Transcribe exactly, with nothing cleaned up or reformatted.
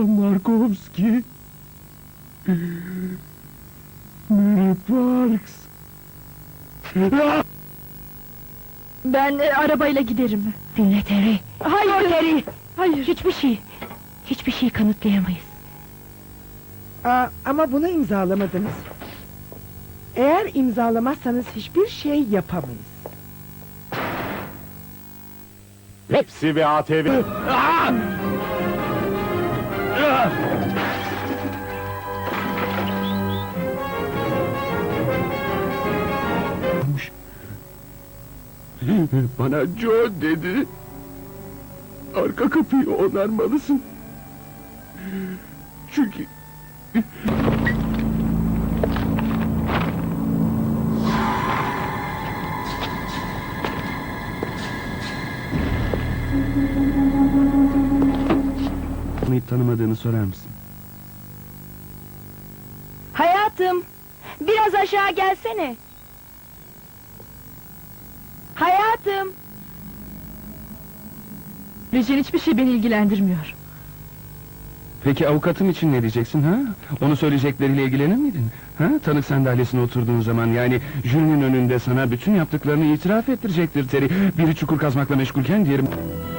Markovski. Mary Parks. Ben e, arabayla giderim. Dinle Terry. Hayır. Dur Terry. Hayır. Hiçbir şey. Hiçbir şey kanıtlayamayız. Aa, ama bunu imzalamadınız. Eğer imzalamazsanız hiçbir şey yapamayız. Hepsi bir A T V. Bana Joe dedi. Arka kapıyı onarmalısın. Çünkü... Tanıyıp tanımadığını sorar mısın? Hayatım, biraz aşağı gelsene. Hayatım. Ricin, hiçbir şey beni ilgilendirmiyor. Peki avukatım için ne diyeceksin ha? Onu söyleyecekleriyle ilgilenir miydin? Ha? Tanık sandalyesine oturduğun zaman, yani jürinin önünde sana bütün yaptıklarını itiraf ettirecektir Terry. Biri çukur kazmakla meşgulken diğeri...